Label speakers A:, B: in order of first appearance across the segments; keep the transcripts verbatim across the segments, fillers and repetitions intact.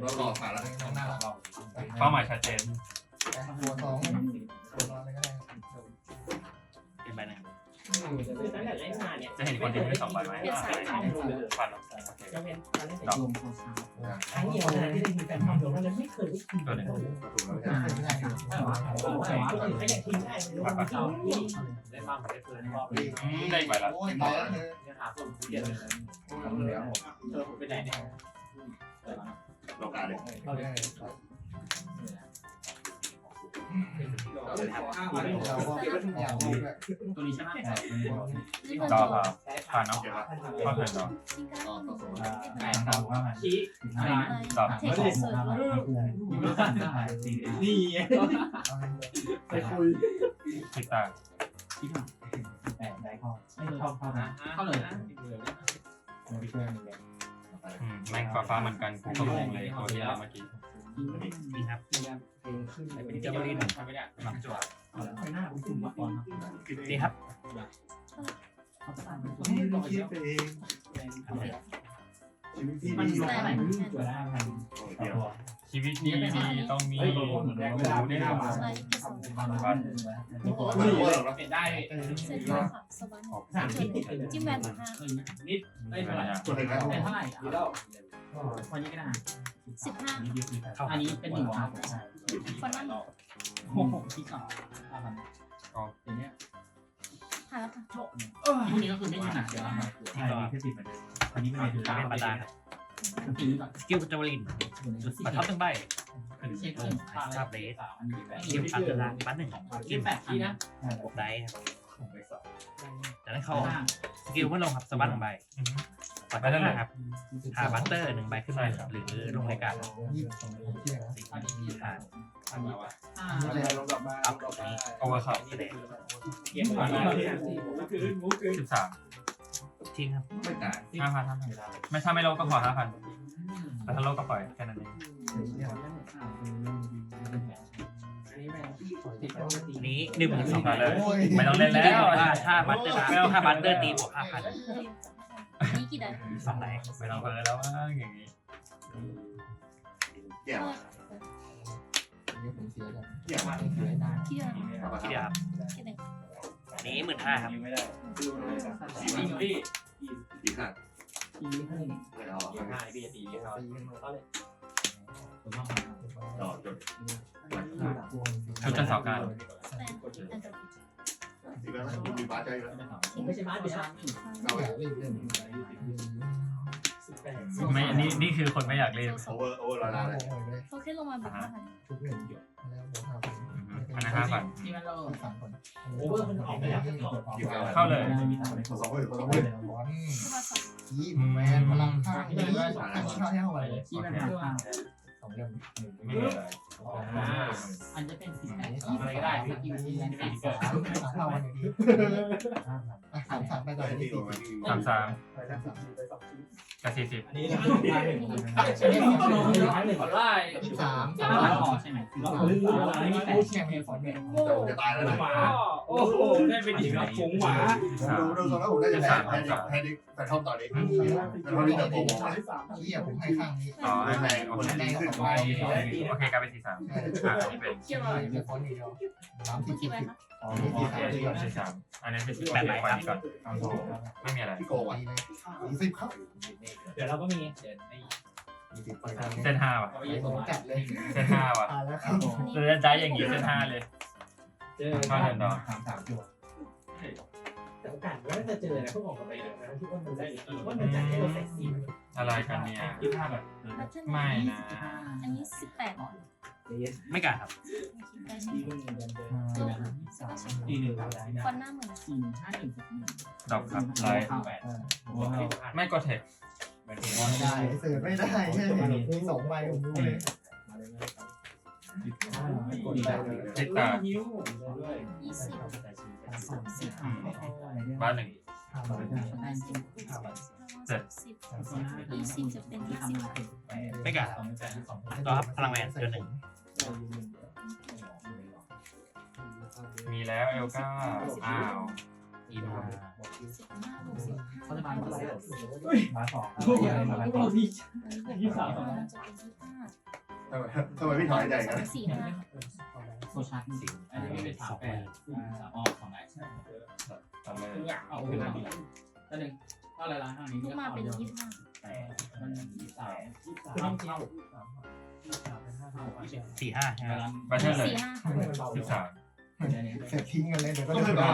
A: เรารอผ่านแล้วต้องหน้าเรา
B: เป้าหมายชัดเจน
C: ตัวสองตัวนอนอะไรก็ได้
D: เป็นไปไหน
B: จะเห็นคนที่ไม่สองใบไหมผ่านแล้ว
E: จะเป็นการเล่น
B: ดอก
E: ครั้งเดียวนะที่ได้มีแฟนทำเดียวเราไม่เคยได้กิน
B: ตัวหนึ่ง
C: ไม่ได้ครับ
E: คนอื่นก็อยากกินได้ไม่รู้ว่าเขา
F: ได้บ้างได้เพื่อนรอบ
B: อืมได้อีกใบละ
C: โอ้ยตายแล้วเธอ
F: เนี่ยหาส่วนเกียรติเลยเธอไปไหนเนี่ย
A: โลกาเลย
C: เราได้
F: เราก็
C: เราก็อยากรู้แบบ
F: ตัวนี้ใช่ไหม
B: ดอกครับผ่านเนาะเข้าเถินเนาะ
A: ต่อต่อโซ่
F: แปดดาวว่าชี้
B: ดอก
D: เทคเซอร์
F: นี่
C: ไปคุย
B: คิดตา
F: ที่ผ่านแปดได้ข้อไม่เข้าเข้านะเข้าเลยนะ
B: อืมแม่งฟ้าฟ้าเหมือนกันกูก็งงเลยตัวที่แล้วเมื่อกี้
D: ดีครับ
C: เพลงขึ้น
D: เป็นเจ้าบริน
F: ทำไม่ได้หลังจั่ว
C: ไปหน้าคุณคุณมาก่อน
D: ดีครับ
C: นี่ต้องคิดไปเองชีวิตที่
F: มัน
C: ดี
F: ลงอะไรจั่วได้พัน
A: เดี๋ยว
B: ชีวิตดีดีต้องมี
F: เฮ้ยเหมือนแรกเวลาไม่ได้มา
D: ใช่แค่สอง
F: บ้านเปลี่ยนได้
D: เสร็จแล้วค่ะสบายจิ้มแวนห้า
F: นิดได้เท่าไหร่
A: ตัวหนึ่งแล้ว
F: ได้เท่าไหร่วันนี้ก็ได้
D: สิบห้า
F: อันนี้เป็นหนึ่งครับ
D: ฟอนนั่น
F: โอ้โหที่สองอย่างเนี้ย
D: หาแล้วค่ะ
F: พวกนี้ก็คือไม่มีหนักเดี๋ยวใช่แค่ติดเหมือนเดิมอันนี้ไม่ได้ถือ
D: เป็นประดาครับ
F: ทีนี้ก่อน
D: สกิลเจ้าบรินปัดท็อปหนึ่งใบ
F: เช็คทราบเลสอันนี้แบบ
D: เกมปัดตารางปัดหนึ่ง
F: เกมแปดทีนะ
D: บวกได้ครับจากนั้นเข้าสกิลเมื่อลงครับสบัดหนึ่งใบปัดได้เลยครับหาบัตเตอร์หนึ่งใบขึ้นมาหรือลงรายการ
C: ยี่สิบสองที่ไหนนะ
F: อันนี้
D: ผ่าน
F: อันนี้ว่าอ่า
A: ลงดอกมา
D: อัพกับนี้
B: โอเวอร์คัพ
D: นี่เลย
F: เกมก่อนนะคือมูคือ
B: สิบสาม
D: ทิ้งครับ
A: ไม่ตาย
B: ห้าพันห้าพันไม่ถ้าไม่โลก็ขอห้าพันแต่ถ้าโลก็ปล่อยแค่นั้นเอง
D: อันนี้หนึ่งหมื่นสองพันเลย
B: ไม่ต้องเล่นแล้ว
D: ว่าถ้าบัตเตอร์ถ้าบัตเตอร์ตีบวกห้าพัน
G: นี่กี่ได้
D: สองไหน
B: ไม่ต้องเพิ่มแล้วมั้งอย่างนี้
A: เกี่ยว
C: เดี๋ยวผมเสียกัน
A: เกี่ยวมา
G: ที่เดียว
D: ที่เดียวครับ
G: ที่หนึ่ง
D: อันนี้หมื่นห้าครับ
F: ไม่ได้สีนี่พี่
A: ดีขาด
F: ทีนี้ให้
A: ไม่เอา
F: เกมห้าพี่จะตีเขา
C: ตีกันหมด
A: ดอกจด
B: ชุดจันทร์สองการ
G: แปดอันดับ
A: ดีแล้วมีบ้าใจแล้ว
F: ไม่ใช่บ้านเดียว
C: เราอยากเล่นเล่น
B: ไม่นี่นี่คือคนไม่อยากเล่น
A: โอเวอร์โอเวอร์ร้อยล้านเลย
G: เขาแค่ลงมาบุกห้าพัน
C: ทุกเรื่องแล้วบวกห้าพัน
B: อันนั้นห้าพัน
F: ที่มันเรา
C: สามคน
F: โอเวอร์มันออกไปแล้ว
B: เข้าเลย
A: สองหมื่นสองห
C: เฮ้
A: มื่
C: ย
A: น
C: บอล
G: เข้ามาสอง
C: ยี่แมนพลังข้างนี้ข้างเท่าไหร่
F: ที่มันคือว่า
C: สองเรื่อง
B: ไม่มีอะไร
F: อันจะเป็นสีอะไรก็ได้ที่กินที่นั่นเป็นเกิด
C: เท่าวันนี้สามสามไปต่อ
A: ได้
C: ที่
A: ที่
C: สี่
A: ตัวมาที่
B: สามสาม
C: ไปสามสาม
B: กับสี่สิบ
F: อันนี้นะขอไล่
C: สิบสาม
F: สามพอใช่ไหมอันนี้แปด
C: แข่งเมียฝนเนี่ย
A: จะตายแล้วนะ
F: หมาโอ้โหได้เป็นอีกแล้วผงหมา
A: ดูดูตรงนั้นผมได้จะแพ้แพ้ดิแพ้ดิแต่ชอบตอนนี้แต่ตอนนี้จะโกงไป
C: ที่ผมให้ข้างนี้
B: อ๋อให้แรงโอ
C: คน
B: เค
C: แรกสองใบ
B: โอเคกลายเป็นสี่สามอ่าอันนี้เป็น
C: เกี่ยวกับเมียฝนเดียวสาม
G: เมื่
C: สิ
G: อบ กี้
C: สิบ
G: ไปคะ
C: อ๋อ
B: โอ
C: ที่
B: เค
C: สาม
B: สี่สามอันนี้เป็นแปดไหนก่อนนี้ก่อนไม่มีอะไร
A: พี่โกงอ่ะ
C: สี่สิบครับ
F: เดี๋ยวเราก็มีเดี๋ยวนี่
C: ยี่สิบไป
B: เส้นห้าว่ะ
F: เอาไปยืนตรง
C: จัดเลย
B: เส้นห้าว่ะ
C: อ่าแล้วครับ
B: เราจะได้อย่างนี้เส้นห้าเลย
F: เจอ
B: ก็เดินดอก
C: สามสามจั่ว
E: แต่โอกาสว่าจะเจอนะพวกผมกับไปเดินนะที่ว่ามันได้ว่ามันจะให้เราเซ็กซี่
B: อะไรกันเนี่ย
F: ยี่ห้าแบบ
G: บัตเทิล
B: ไม่นะ
G: อันนี้สิบแปดหรอ
D: ไม่กล้าครับ
G: ได้ใช่ไหม
F: ตีหนึ่ง
G: ฟอนหน้าเหมือน
F: สี่ห้าหนึ่ง
B: ดอกครับไลท์
F: แปด
B: ไม่กดเทค
C: ไม่ได้เสิร์ฟไม่ได้ใช่ไหมมีสองใบผมรู้เลย
B: เทคตา
F: นิ้ว
G: ยี่สิบสามสิบ
B: บ้านหนึ่ง
G: ห้าสิบเจ็ดสิบยี่สิบจะเป็นยี่สิบ
D: ไม่กล้าต่อครับพลังแวนตัวหนึ่ง
B: มีแล้วเอลก้าอ้าว
D: อีมา
G: สิบห้าบวกสิบห้า
F: เขาจะมาเมื่อไหร่
E: มาสอง
F: ทุกอย่างมาทุกที่
G: ยี่สิบสามจะเป็นยี่สิบห้า
A: ทำไมทำไมพี่ถอยใจกัน
G: สี่ห้า
F: โซชาร์จ
D: สิบ
F: อันนี้เป็นสามแปดสามออของไหน
B: ทำเลย
F: เอาขึ้นมาก็หนึ่งก็อะไรล่ะอันนี้
G: ลูกมาเป็นยี่สิบห้า
F: แต่มันยี่สามยี่สามเข้า
D: สี่ห้าใช่ไหม
B: ไปเช่นเลย
G: สี่ห้า
B: สิบสาม
C: เสร็จทิ้งกันเลยเดี๋ยวก็เดินไป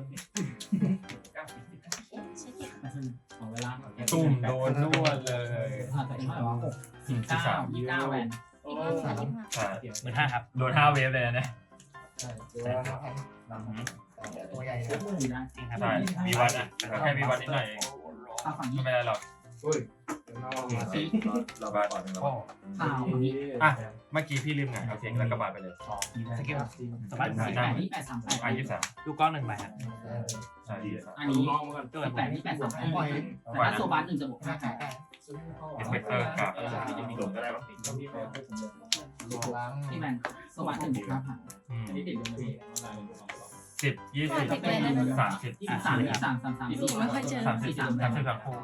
G: ใช่ที่
F: ของเวลา
B: ตุ่มโดนนวดเลย
F: ผ่านไปเท่าไหร่วะหกสี่เก้ายี่เก้าแวน
G: ยี่สิบห้าบวกยี่สิบห้า
B: ใช่
D: หมื่นห้าครับ
B: โดนห้าเวฟเลยนะเนี่ย
C: ตัวใหญ่
F: ซื้อ
C: นะ
F: มือนะ
D: จริงครับ
B: ใช่มีวัดอ่ะแต่แค่มีวัดนิดหน่อยเอง
F: ถ้าฝั่ง
B: ไม่
F: นี้
B: เป็นไรหรอก
A: เราบาดก่อนเราบาด
F: ข่าวนี้
B: อ่ะเมื่อกี้พี่ลืมไงโอเคแล้วก็บาดไปเลย
D: สกิลสบัด
F: แปดนี่แปดสามแปด
B: อ่ะยี่สิบสาม
D: ลูกก้อนหนึ่งใบครับ
B: ใช่ยี่สิบสาม
F: อันนี้แปดนี่แปดสามแปดแต่ถ้าโซบัสหนึ่งจะบวกห้าแปด
B: เอฟเฟกเตอร์กับ
A: หลงก็ได้ปะ
C: ล้าง
F: ที่แมนโซบัสหนึ่งบวกห้าพัน
B: อืม
F: อันนี้ติดลงเลย
B: สิบยี่สิบสามสิบ
F: ยี่สิบสามยี่สิบสามสามสามสี่
G: ไม่ค่อยเจอ
B: สามสิบสามสิบสามคู่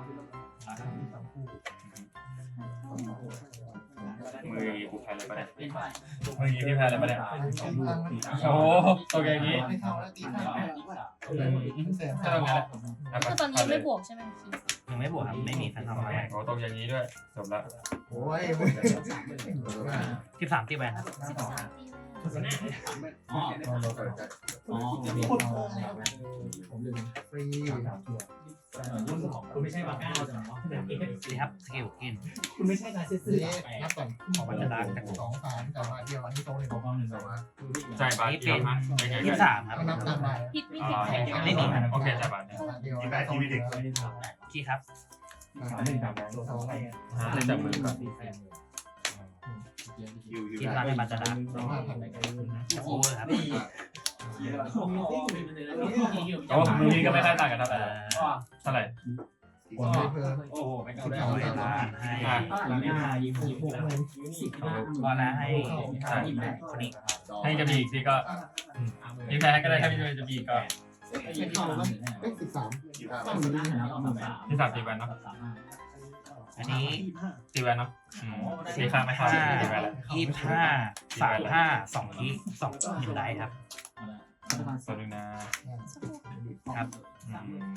B: มือกูแพ้เลยปะเนี่ย
F: เป็นเท่าไหร่
B: มือพี่แพ้เลยปะเนี่ยโอ้โหตัวแกงี้
C: ไม่เข้าแล้วตีข้าวเสร็จ
B: ก็ตรงนี้แหละ
G: คือตอนนี้ไม่บวกใช่ไหมคี
D: ยังไม่บวกครับไม่มีแฟนทอมอะไร
B: โอ้ตรงอย่างนี้ด้วยจบละ
C: โอ้ย
D: สิบสามตีแวนครับ
G: สิบสามตี
F: อ๋ออ๋อจะมีผมลืม
C: ฟรี
E: คุณไม่ใช่บาก้าใช่ไหม
D: นี่ครับสกิลกิน
E: คุณไม่ใช่การซื้อ
C: นี่นับก่อน
D: ของมันจะดังจาก
C: สองสามแต่ว่าเดียววันที่โตเลยผม
E: กองหนึ่งสอง
B: จ่ายบาทเดียวฮะยังไง
D: ยี่สิบสามครับ
C: นับตามไป
G: ผิดไม่
B: อ๋
G: ผิ
B: อ
G: ดแข่ง
D: ไม่มี
B: โอเคจ่ายบาทเนี่ย
C: เดียว
A: ที่แปดที่พี่ดิก
D: ขี้ครับ
E: สามหนึ่งสามสองสอง
B: ฮะจับมือก่อน
A: คิวคิว
D: กินร้านในบัตรดัง
C: สองห้าพัน
D: โอเวอร์ครับ
B: โอ้มือนี้ก็ไม่ค่อยต่างกันเท่าไหร่
D: เอ่อ
B: เท่าไหร่
C: ผมไม่เพิ่ม
E: โอ้โหไม่
C: สิ
E: เอา
C: บ
E: ได้
C: สอง
E: เลย
C: สาม
D: ให้
B: อ่ะ
F: เท่าไหร่เนี่ย
E: ยิงยิงหกเลย
F: สิบห้า
D: ก็แล้วให้
F: ยี่สิบแปด
D: คนนี้
B: ให้จะมีอีกทีก็ยิ่งแพ้ก็ได้ถ้าไม่จะมีอีกก็
F: ไม่เข้าแล้ว
C: เอ้ยสิบสาม
A: ยี่ห้า
F: ต้องมีหน้าแล้วเอามาแบบ
B: ที่สามตีแวนเนาะ
D: อันนี้
B: ตีแวนเนาะอืมตีข้างไม่ข้างตีแวนแล้ว
D: ยี่สิบห้าสามห้าสองคีสองหนึ่งไดครับ
B: ตัวนึงนะ
D: ครับ
B: อืม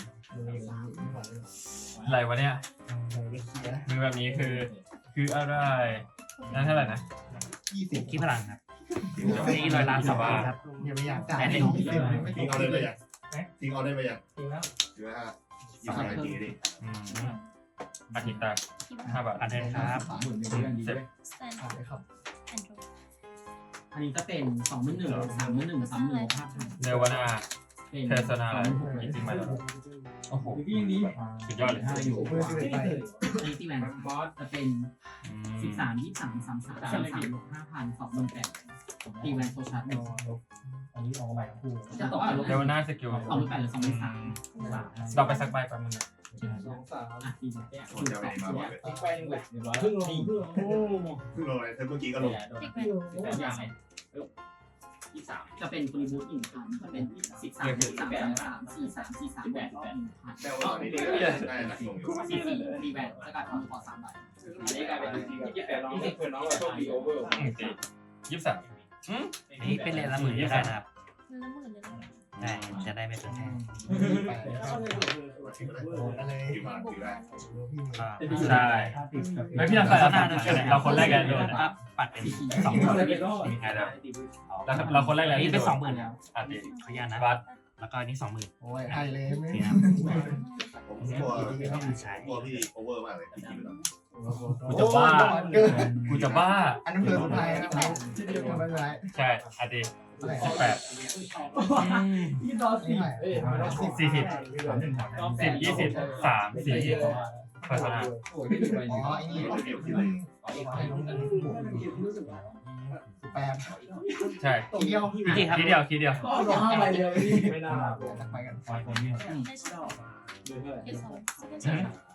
B: อะไรวะเนี่ยมือแบบนี้คือคืออะไรนั่นเท่าไหร่นะ
C: ยี่สิบ
D: คีพลังครับนี่ร้อยล้านสองคีครับ
C: อย่าไปอยากจ่ายยี่สิบไม่
A: ทิ้ง
C: ต้
A: เอา
C: อง
A: ได้ไหมยังทิ้งเอาได้ไหมยัง
E: จริงแล้ว
A: ยี่ห้ายี่ห้าทีดิ
B: อืมอาทิตย์ตาห้าบาท
D: อันเดินครับ
F: สามหมื่นหนึ่งเรื่องดีด้วย
G: สแตน
C: ขายครับ
G: แอนโดร
F: อันนี้ก็เป็นสองหมื่นหนึ่งสามหมื่นหนึ่งสามหมื่นห้าพัน
B: เนวานา
F: เป็น
B: เทสนาอะไรจริงๆมาแล้วโอ้โห
E: พี่ยังดี
B: สุดยอดเลย
F: ห้าอยู่
C: เบอร์สิบเอ็ดไป
F: อันนี้ที่แวนบอสจะเป็น
B: อื
F: สิบ
B: ม
F: สามยี่สามสามสามสามสามบวกห้าพันสองหมื่นแปดตีแวนโซชาร์จหนึ่ง
E: อันนี้ออกใหม่คู่
F: จะตกกับลบ
B: เนวานาสกิล
F: สองหมื่นแปดหรือสองหมื่นสาม
B: เราไปสักใบแป๊บนึง
E: สองสาม
F: อ่ะตีแวน
A: คนจะไปไหนมาบอกเลย
E: อีกไปหนึ่งเลยเรียบร้อยครึ่งลงครึ่งลงโอ้
A: เพิ่งลงเลยเมื่อกี้ก็ลง
G: ติดแวน
F: แบบอย่างไรยี่สามจะเป็นฟรีบูทหนึ่งพันจะเป็นสิบสามสิบสามสามสี่สามสี่สามแปดหนึ่งพัน
A: แต่ว่าตอนนี้ได้หนักลงอยู่
F: สี่สี่รีแวนแล้วก็ทำขอสามใบ
E: อันนี้กลายเป็นยี่สิบแปดน้องยี่สิบเพื่อนน้องโชคดีโอเวอร์
B: อืมตียี่สิบสามอืม
D: นี่เป็นเลนละหมื่นก็ได้นะครับ
G: เงินละหมื่นเลยนะ
D: ได้จะได้ไม่เป็นแพง
C: ไปอะไร
A: อยู่มาอยู่ได้
D: ก็
B: ใช่ไม่พี่ทำใส่เราสามเราคนแรกกันโดน
D: ก็ปัดเป็นสอง
E: ส
D: ห
E: อง
D: มื่น
E: เลยก็
B: ไงเด้อเราเราคนแรกเลย
D: อันนี้เป็นสองหมื่น
B: อ่ะตี
D: ขออนุญาตนะ
B: บัต
D: แล้วก็อันนี้สองหมื่น
C: โอ้ยไทยเลยไม่
D: นี่ครับ
A: ผมกลัว
D: ใช่
A: กลัวพี่โอเวอร์มากเลยพี่คิดไปแล้ว
B: กูจะบ้า
C: เกิน
B: กูจะบ้า
C: อันนั้นเกินสุดท้ายนะครับที่เดียวกันไม่เป็นไร
B: ใช่อ่ะตี
C: อะไร
B: สิบแปด
E: ยี่ดอสี่เอ้ย
B: สี่สิบสิบยี่สิบสามสี่สิบพัฒนา
E: โอ้ยไม่มีใบ
C: อ๋
E: นี้
C: อไอ้นี่ให้ลงกันบวกแปด
B: ใช่
C: ทีเดียว
D: จริงครับ
B: ทีเดียวทีเดียว
E: ก็รอห้าใบเดียวไม่น่า
C: ไปกัน
G: ได้ใช่เก็บสอง
B: อืมไป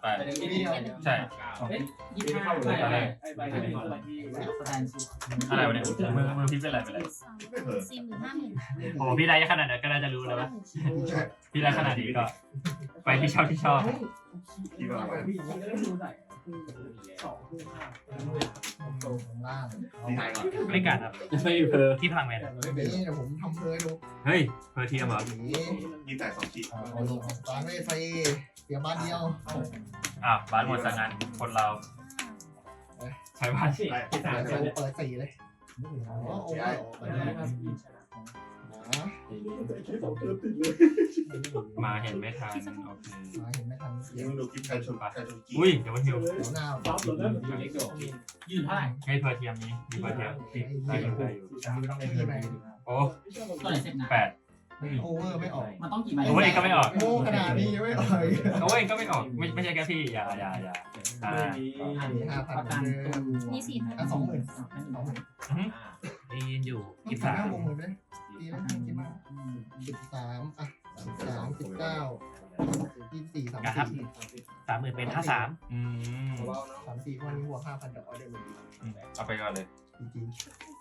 B: แปด
C: ทีเดียว
B: ใช่
F: ยี่สิบห้า
B: ไปเลย
E: ไอ้ใบที่เป็นอะไรที่
F: สแตนซู
B: อะไรวะเนี่ยมือมือพี่เป็นอะไรเป็นอะไร
G: สี่หมื่นห้าหมื่น
B: โอ้พี่ได้ขนาดนั้นก็น่าจะรู้แล้วว่าพี่ได้ขนาดนี้ก็ ไปที่ชอบที่ชอบ
A: ที่ว่าไป
E: พี่ก็ได้ดูหน่อยสองคู่ห้า
C: ตรงล่าง
A: ดีไซน์ก่อน
D: ไม่การครับ
B: ไม่เพอ
D: ที่พลังแมน
C: นี่เดี๋ยวผมทำเพลดู
B: เฮ้ยเพอเทียมเหรอ
C: นี่
A: ยี่แต่สองขีด
C: เอาลงตอนไม่ไฟเสียบ้านเดียว
B: อ่ะบ้านหมดสังงานคนเราใช้บ้าน
A: ได้
C: เปิดเปิดสี่เลยอ๋อโอ้ยเปิดเลยนะ
B: มาเห็นไม่ทันโอเค
C: มาเห็นไม่ทัน
A: เดี๋ยวมึงดูคลิปการชนการชนกี
B: อุ้ยเดี๋ยวมันหิว
C: เดี๋ยวหน้า
E: ซับเลย
F: ยืนเท่าไหร่
B: ให้เพอเทียมนี้มีเพอเทียมได้อยู่ได้อยู่
C: ที่ไหน
B: โอ้
F: ตัวไหนเสร็จนะ
B: แปด
C: โอเวอร์ไม่ออก
F: มันต้องกี่ใบ
B: โอ้ยก็ไม่ออก
C: โง่ขนาดนี้ยังไม่ออก
B: โอ้ยก็ไม่ออกไม่ไม่ใช่แค่พี่อย่าอย่าอย่าอ่า
C: อันนี้ห้าพัน
F: ประกันตัว
G: มีสี่พัน
C: อ่ะสองหมื่นสองหมื่น
D: ได้ยินอยู่
C: ยี่
D: ยี่
C: สิ
D: สิ
C: บบ สา
D: สาม ม
C: วงหมื่นเลยดีแล้วคิดมากสิบสามอ่ะสิบสามสิบเก้ายี่สิบสี่สามสี่
D: สามหมื่นเป็นห้าสาม
B: อืม
C: สามสี่วันนี้บวกห้าพันเดี๋ยวออเดอร์มัน
B: เอาไปก่อนเลย
C: จริง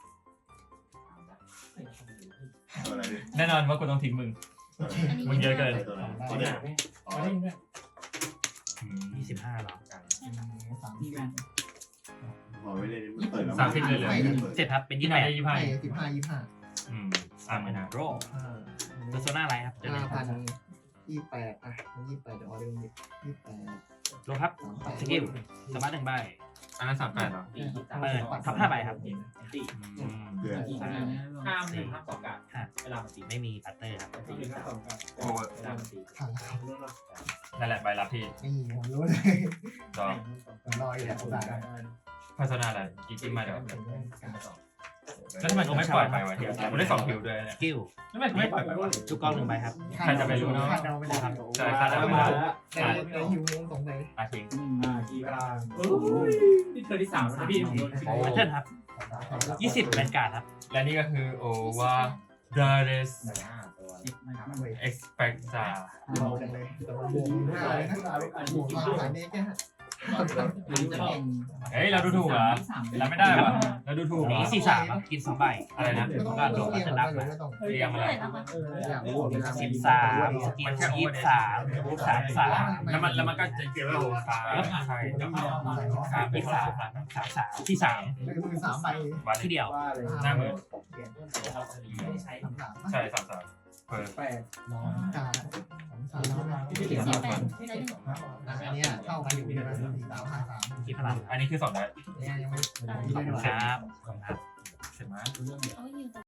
A: อะไรดิ
B: แน่นอนว่ากูต้องทิ้งมึง มึงเยอะเกิน
A: ตัวนั้นตัวนี้อ๋อ
D: ยี่สิบห้าหรอ
C: สาม
F: มีแวน
A: พอไม่ได้เปิดแล้ว
B: สามสิบเลยเหรอ
D: เสร็จครับเป็น
B: ยี่
D: ยี่
B: สิ
D: สิ
B: บบ ห้า
D: แปด
B: ได้ยี่สิบห้า
C: สิบห้ายี่ห้า
B: อืมสามหมื่นห้า
D: โรตัวโซน่าอะไรครับเจอไหน
C: ห้าพันยี่แปดอ่ะยี่แปดเดี๋ยวออเดอร์ยี่แปด
D: โรครับ
C: สามแปด
D: สกิลสมาร์ทหนึ่งใบ
B: อันนั้นสามแปดเหรอ
D: เปิดทับห้าใบครับ
B: อืม
A: เดือน
E: ห้ามหนึ่งห้ามสองการเวลามันตี
D: ไม่มีปัตเตอร์ครับ
E: สี่ห้าสองการ
B: โอ้ย
E: เวลามันตี
C: ทันแล้วครับ
B: นั่นแหละใบรับพี่
C: นี่ผมรู้เลย
B: ดอก
C: ผมรออยู่แหละผมได้
B: พัฒนาอะไรอีกจิ้มมาเดี๋ยวแล้วทำไมกูไม่ปล่อยไปวะเฮียกูได้สองคิวด้วย
D: สกิล
B: ทำไมกูไม่ปล่อยไปวะ
D: ทุกกองหนึ่งใบครับ
B: ใครจะไปรู้เนอะ
C: คาดเดาไม่ได้ครับ
B: ใช่คาดเดาไม่ได้
C: ในในหิวงงสงสัย
B: อาทิ้ง
E: อ่ากี่กลางโอ้ยนี่เธอที่สามนะพี่ผมโดน
D: ปัตเตอร์ครับยี่สิบแวนการ์ดครับ
B: และนี่ก็คือโอวาดาเรส
F: สิบนะครับ
B: เอ็กซ์เพคซ่า
C: เบาจังเลยแต่ว่าบวกห้าเลยนะบวกมาสามเมตรแค่
F: มันจะเป็น
B: เฮ้ยเราดูถูกเหรอเราไม่ได้วะเราดูถูกเหรอ
D: นี้สี่สามครับกินสองใบ
B: อะไรนะ
C: ไม่ต้อง
D: ก็โด
C: ไม่
D: ด
C: ต้อง
D: มา
C: เรียง
D: จะ
C: ไม่
D: ดับ
C: ต้อง
B: เรียงอะไร
C: อยากรู้เวลา
D: สิบสามสกิลยี่สิบสามรูปสามสาม
B: แล้วมันแล้วมันก็จะเกี่ยวกับสามใช่
D: สามยี่สิบสามสามสามที่สาม
C: คือมือสามใบ
B: วัน
D: ที่เดียว
B: หน้ามือ
C: สามสาม
B: ใช่สามสามเปิด
E: แปด
C: กาสามสาม
G: สี่แปดได้หนึ่ง
C: อันนี้เท่ากันอยู่ใช่ไหมสี่สามห้าสาม
D: ที่พลัง
B: อันนี้คือสองได้
C: เนี่ยยังไม่
D: ขอบคุณครับขอบคุณครับ
B: เสร็จไหม
G: เอาอยู่ต่อ